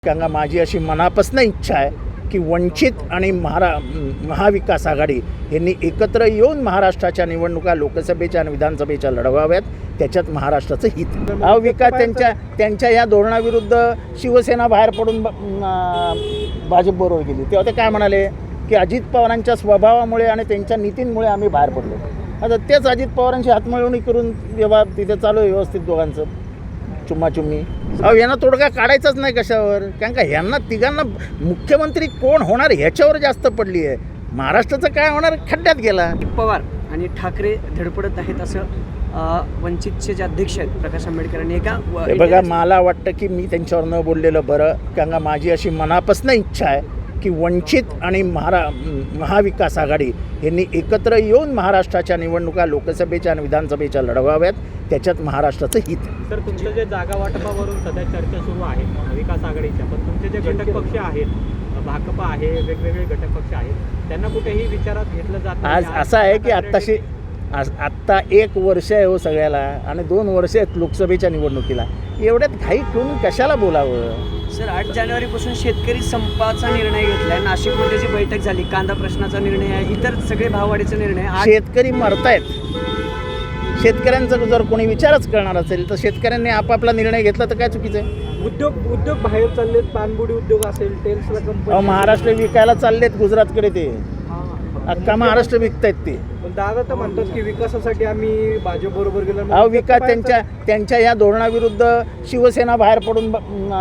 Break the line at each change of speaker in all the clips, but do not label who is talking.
कारण माझी अशी मनापासून इच्छा आहे की वंचित आणि महाविकास आघाडी यांनी एकत्र येऊन महाराष्ट्राच्या निवडणुका लोकसभेच्या आणि विधानसभेच्या लढवाव्यात. त्याच्यात महाराष्ट्राचं हित. विकास त्यांच्या या धोरणाविरुद्ध शिवसेना बाहेर पडून भाजपबरोबर गेली. तेव्हा ते काय म्हणाले की अजित पवारांच्या स्वभावामुळे आणि त्यांच्या नीतींमुळे आम्ही बाहेर पडलो. आता तेच अजित पवारांची हातमिळवणी करून व्यवहार तिथे चालू आहे व्यवस्थित दोघांचं चुम्माचुम्मी. यांना तोडगा काढायचाच नाही कशावर. कारण का ह्यांना तिघांना मुख्यमंत्री कोण होणार ह्याच्यावर जास्त पडली आहे. महाराष्ट्राचं काय होणार खड्ड्यात गेला.
पवार आणि ठाकरे धडपडत आहेत असं वंचितचे जे अध्यक्ष आहेत प्रकाश आंबेडकर यांनी
बघा, मला वाटतं की मी त्यांच्यावर न बोललेलं बरं. कारण का माझी अशी मनापासून इच्छा आहे की वंचित आणि महाविकास आघाडी यांनी एकत्र येऊन महाराष्ट्राच्या निवडणुका लोकसभेच्या आणि विधानसभेच्या लढवाव्यात. त्याच्यात महाराष्ट्राचं हित.
तर तुमचं जे जागा वाटपावरून सध्या चर्चा सुरू आहे विकास आघाडीच्या, पण तुमचे जे घटक पक्ष आहेत भाकपा आहे, वेगवेगळे घटक पक्ष आहेत, त्यांना कुठेही विचारात घेतलं जात नाही.
आज असं आहे की आत्ता 1 वर्ष आहे हो सगळ्याला आणि 2 वर्ष आहेत लोकसभेच्या निवडणुकीला. एवढ्यात घाई करून कशाला बोलावं.
सर, 8 जानेवारीपासून शेतकरी संपाचा निर्णय घेतलाय. नाशिकमध्ये जी बैठक झाली, कांदा प्रश्नाचा निर्णय आहे, इतर सगळे भाववाढीचा निर्णय.
शेतकरी मरतायत. शेतकऱ्यांचा जर कोणी विचारच करणार असेल तर शेतकऱ्यांनी आपापला निर्णय घेतला तर काय चुकीचं आहे.
उद्योग बाहेर चाललेत. पानबुडी उद्योग असेल, टेल्सला कंपनी
महाराष्ट्र विकायला चाललेत गुजरातकडे. ते अख्खा महाराष्ट्र विकतायत ते.
दादा तर म्हणतात की विकासासाठी आम्ही भाजप बरोबर गेलो.
विकास त्यांच्या या धोरणाविरुद्ध शिवसेना बाहेर पडून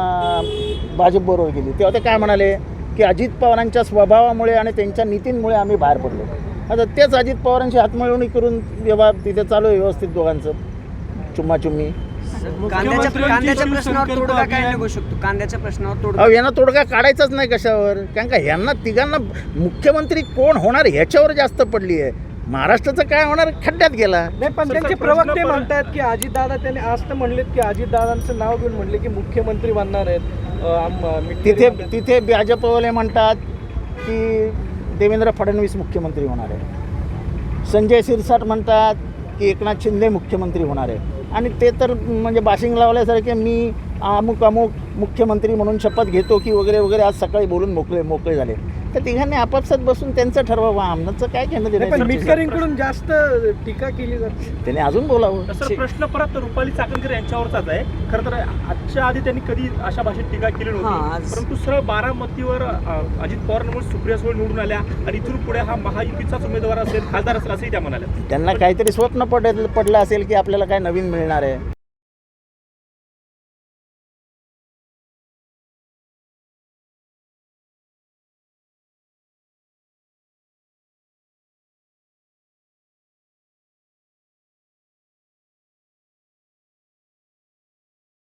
भाजपबरोबर गेली. तेव्हा ते काय म्हणाले की अजित पवारांच्या स्वभावामुळे आणि त्यांच्या नीतींमुळे आम्ही बाहेर पडलो. आता तेच अजित पवारांची हातमिळवणी करून व्यवहार तिथे चालू आहे व्यवस्थित दोघांचं चुम्माचुम्मी.
कांद्याच्या प्रश्नावर तोडगा काय निघू शकतो. कांद्याच्या प्रश्नावर तोडगा
यांना तोडगा काढायचाच नाही कशावर. कारण का ह्यांना तिघांना मुख्यमंत्री कोण होणार ह्याच्यावर जास्त पडली आहे. महाराष्ट्राचं काय होणार खड्ड्यात गेला.
नाही, पण त्यांचे प्रवक्ते म्हणतात की अजितदादा, त्यांनी आज तर म्हणलेत की अजितदादांचं नाव घेऊन म्हणले की मुख्यमंत्री बनणार आहेत.
तिथे भाजपवाले म्हणतात की देवेंद्र फडणवीस मुख्यमंत्री होणार आहे. संजय शिरसाट म्हणतात की एकनाथ शिंदे मुख्यमंत्री होणार आहे. आणि ते तर म्हणजे बाशिंग लावल्यासारखे मी अमुक मुख्यमंत्री म्हणून शपथ घेतो की वगैरे वगैरे आज सकाळी बोलून मोकळे झाले. तर तिघांनी आपापसात बसून त्यांचं ठरवावं. आमचं काय घेणं देणं.
मिटकरींकडून जास्त टीका केली जाते.
त्याने अजून बोलावं.
सर, प्रश्न परत रुपाली चाकणकर यांच्यावरचाच आहे. खरं तर आजच्या आधी त्यांनी कधी अशा भाषेत टीका केली नव्हती, परंतु सरळ बारामतीवर अजित पवारांमुळे सुप्रिया सुळे निवडून आल्या आणि इथून पुढे हा महायुतीचाच उमेदवार असेल, खासदार असेल असंही त्या म्हणाल्या.
त्यांना काहीतरी स्वप्न पडलं असेल की आपल्याला काय नवीन मिळणार आहे.